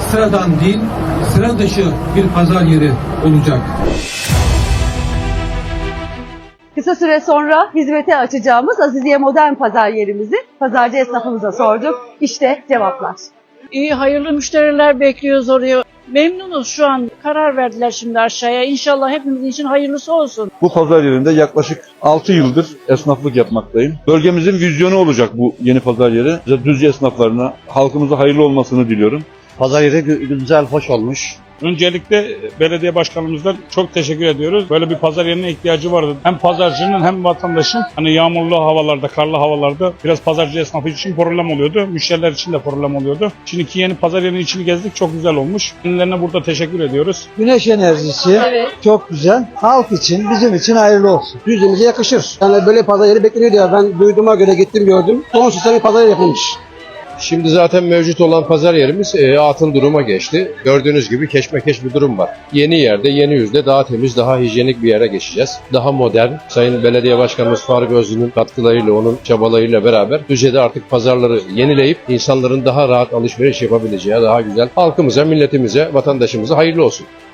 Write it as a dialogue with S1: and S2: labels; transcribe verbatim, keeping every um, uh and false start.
S1: sıradan değil, sıra dışı bir pazar yeri olacak.
S2: Kısa süre sonra hizmete açacağımız Aziziye Modern Pazar yerimizi pazarcı esnafımıza sorduk. İşte cevaplar.
S3: İyi, hayırlı müşteriler bekliyoruz oraya. Memnunuz şu an. Karar verdiler şimdi aşağıya. İnşallah hepimizin için hayırlısı olsun.
S4: Bu pazar yerinde yaklaşık altı yıldır esnaflık yapmaktayım. Bölgemizin vizyonu olacak bu yeni pazar yeri. Düzce esnaflarına, halkımıza hayırlı olmasını diliyorum.
S5: Pazar yeri güzel, hoş olmuş.
S6: Öncelikle belediye başkanımızdan çok teşekkür ediyoruz. Böyle bir pazar yerine ihtiyacı vardı. Hem pazarcının hem vatandaşın hani yağmurlu havalarda, karlı havalarda biraz pazarcı esnafı için problem oluyordu. Müşteriler için de problem oluyordu. Şimdiki yeni pazar yerinin içini gezdik. Çok güzel olmuş. Kendilerine burada teşekkür ediyoruz.
S7: Güneş enerjisi
S2: Evet.
S7: çok güzel. Halk için, bizim için hayırlı olsun. Düzce'mize yakışır. Yani böyle pazar yeri bekleniyordu ya. Ben duyduğuma göre gittim gördüm. Sonsuz bir pazar yeri yapılmış.
S8: Şimdi zaten mevcut olan pazar yerimiz e, atıl duruma geçti. Gördüğünüz gibi keşmekeş bir durum var. Yeni yerde, yeni yüzde daha temiz, daha hijyenik bir yere geçeceğiz. Daha modern. Sayın Belediye Başkanımız Faruk Özlü'nün katkılarıyla, onun çabalarıyla beraber Düzce'de artık pazarları yenileyip insanların daha rahat alışveriş yapabileceği, daha güzel halkımıza, milletimize, vatandaşımıza hayırlı olsun.